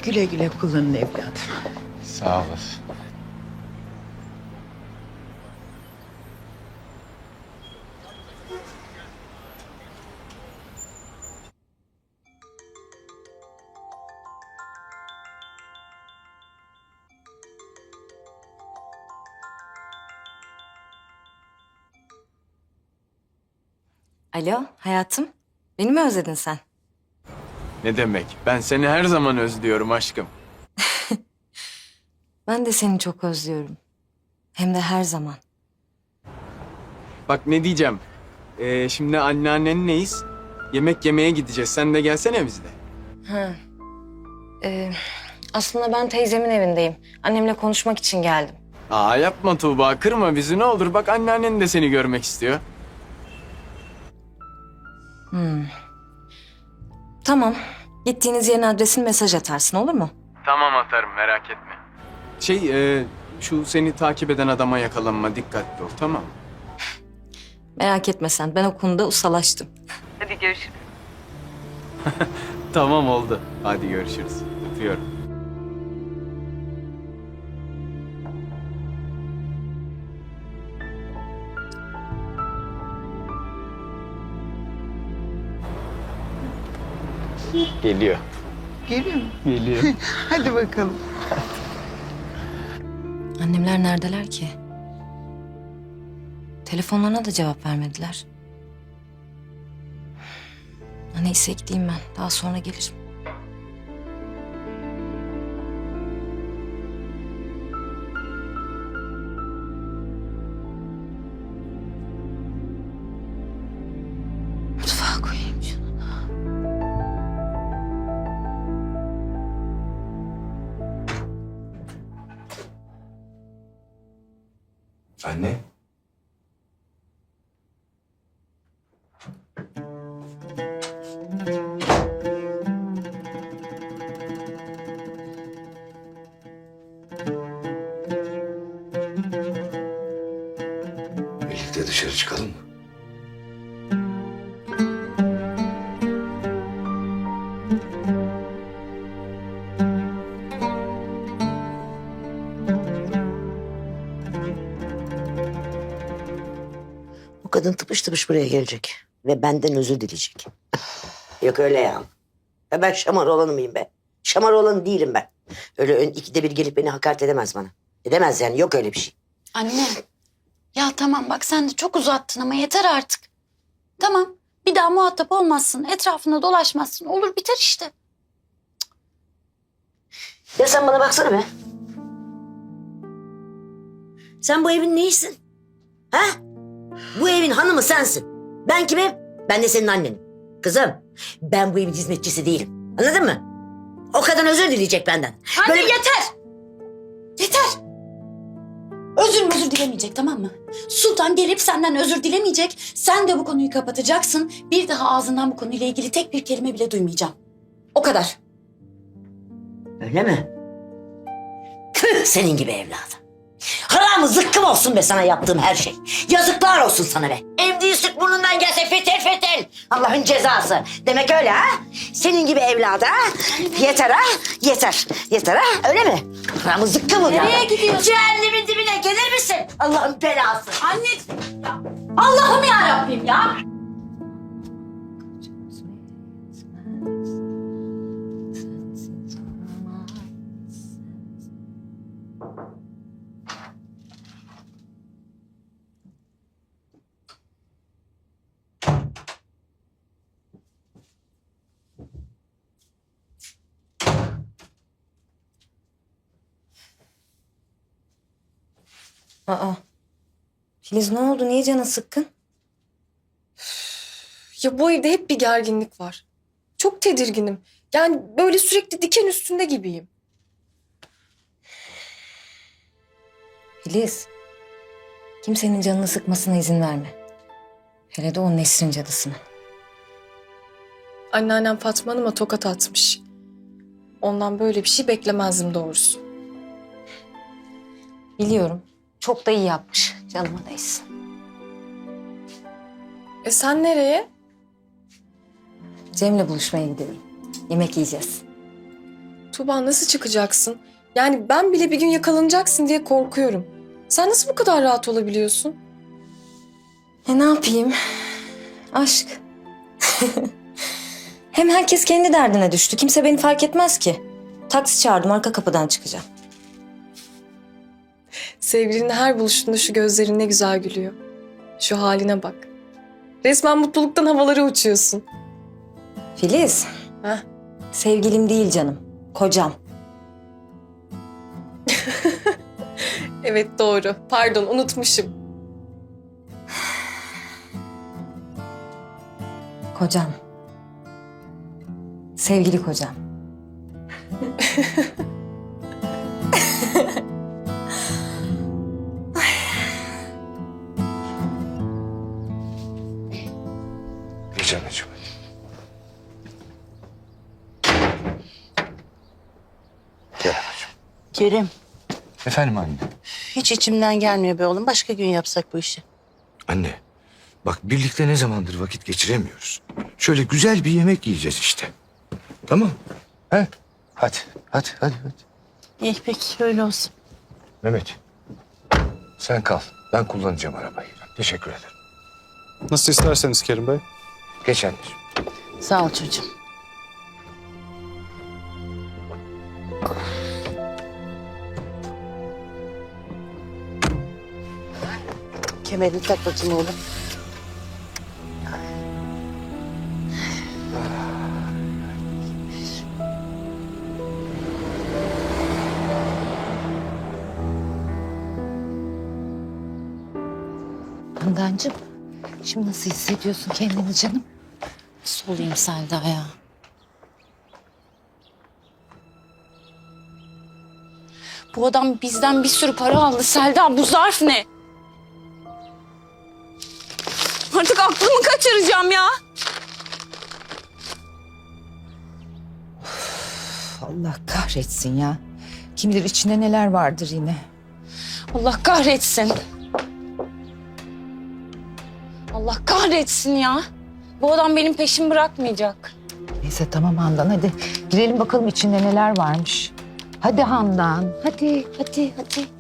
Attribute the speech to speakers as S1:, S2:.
S1: Güle güle kullanın evladım.
S2: Sağ olasın.
S3: Alo hayatım. Beni mi özledin sen?
S2: Ne demek? Ben seni her zaman özlüyorum aşkım.
S3: Ben de seni çok özlüyorum. Hem de her zaman.
S2: Bak ne diyeceğim. Şimdi anneannenleyiz. Yemek yemeye gideceğiz. Sen de gelsene bizle.
S3: Ha. Aslında ben teyzemin evindeyim. Annemle konuşmak için geldim.
S2: Aa yapma Tuğba. Kırma bizi ne olur. Bak anneannen de seni görmek istiyor.
S3: Tamam. Gittiğiniz yerin adresini mesaj atarsın olur mu?
S2: Tamam atarım merak etme. Şu seni takip eden adama yakalanma. Dikkatli ol tamam mı?
S3: Merak etme sen. Ben o konuda ustalaştım. Hadi görüşürüz.
S2: Tamam oldu. Hadi görüşürüz. Öpüyorum. Geliyor.
S1: Geliyor mu?
S2: Geliyor.
S1: Hadi bakalım.
S3: Annemler neredeler ki? Telefonlarına da cevap vermediler. Neyse gideyim ben. Daha sonra gelirim. Mutfağa koyayım şunu.
S4: Anne. Birlikte dışarı çıkalım mı?
S5: Bu kadın tıpış tıpış buraya gelecek. Ve benden özür dileyecek. Yok öyle ya. Ya ben şamar olanı mıyım be? Şamar olanı değilim ben. Öyle ikide bir gelip beni hakaret edemez bana. Edemez yani, yok öyle bir şey.
S6: Anne, ya tamam bak sen de çok uzattın ama yeter artık. Tamam, bir daha muhatap olmazsın, etrafında dolaşmazsın, olur biter işte.
S5: Ya sen bana baksana be. Sen bu evin neyisin? Ha? Bu evin hanımı sensin. Ben kimim? Ben de senin annenim. Kızım, ben bu evin hizmetçisi değilim. Anladın mı? O kadın özür dileyecek benden.
S6: Anne yeter! Yeter! Özür dilemeyecek tamam mı? Sultan gelip senden özür dilemeyecek. Sen de bu konuyu kapatacaksın. Bir daha ağzından bu konuyla ilgili tek bir kelime bile duymayacağım. O kadar.
S5: Öyle mi? Tüh senin gibi evladım. Haramı zıkkım olsun be sana yaptığım her şey. Yazıklar olsun sana be. Emdiği süt burnundan gelse fetel fetel. Allah'ın cezası. Demek öyle ha? Senin gibi evlada ha? Yeter ha? Yeter. Yeter ha? Öyle mi? Haramı zıkkım ol.
S6: Nereye gidiyorsun?
S5: Cehennemin dibine gelir misin? Allah'ın belası.
S6: Anne! Ya, Allah'ım ya Rabbim ya!
S3: Aa. Filiz ne oldu? Niye canın sıkkın?
S7: Ya bu evde hep bir gerginlik var. Çok tedirginim. Yani böyle sürekli diken üstünde gibiyim.
S3: Filiz. Kimsenin canını sıkmasına izin verme. Hele de o Nesrin cadısına.
S7: Anneannem Fatma Hanım'a tokat atmış. Ondan böyle bir şey beklemezdim doğrusu.
S3: Biliyorum. Çok da iyi yapmış. Canıma değsin.
S7: Sen nereye?
S3: Cem'le buluşmaya gidelim. Yemek yiyeceğiz.
S7: Tuğba nasıl çıkacaksın? Yani ben bile bir gün yakalanacaksın diye korkuyorum. Sen nasıl bu kadar rahat olabiliyorsun?
S3: Ne yapayım? Aşk. Hem herkes kendi derdine düştü. Kimse beni fark etmez ki. Taksi çağırdım, arka kapıdan çıkacağım.
S7: Sevgilinin her buluşunda şu gözlerin ne güzel gülüyor. Şu haline bak. Resmen mutluluktan havalara uçuyorsun.
S3: Filiz.
S7: Heh.
S3: Sevgilim değil canım. Kocam.
S7: Evet doğru. Pardon unutmuşum.
S3: Kocam. Sevgili kocam.
S4: Geç anneciğim. Gel anneciğim.
S8: Kerim,
S4: Efendim anne.
S8: hiç içimden gelmiyor be oğlum. Başka gün yapsak bu işi.
S4: Anne, bak birlikte ne zamandır vakit geçiremiyoruz. Şöyle güzel bir yemek yiyeceğiz işte. Tamam. He? Hadi.
S8: İyi peki, öyle olsun.
S4: Mehmet, sen kal. Ben kullanacağım arabayı. Teşekkür ederim.
S9: Nasıl isterseniz Kerim Bey.
S4: Geç anneciğim.
S8: Sağ ol çocuğum. Kemerini tak bakayım oğlum.
S6: Handancığım, şimdi nasıl hissediyorsun kendini canım? Nasıl olayım Selda ya? Bu adam bizden bir sürü para aldı Selda. Bu zarf ne? Artık aklımı kaçıracağım ya.
S1: Allah kahretsin ya. Kim bilir içinde neler vardır yine.
S6: Allah kahretsin. Allah kahretsin ya. Bu adam benim peşimi bırakmayacak.
S1: Neyse tamam Handan hadi. Girelim bakalım içinde neler varmış. Hadi Handan. Hadi.
S6: Hadi.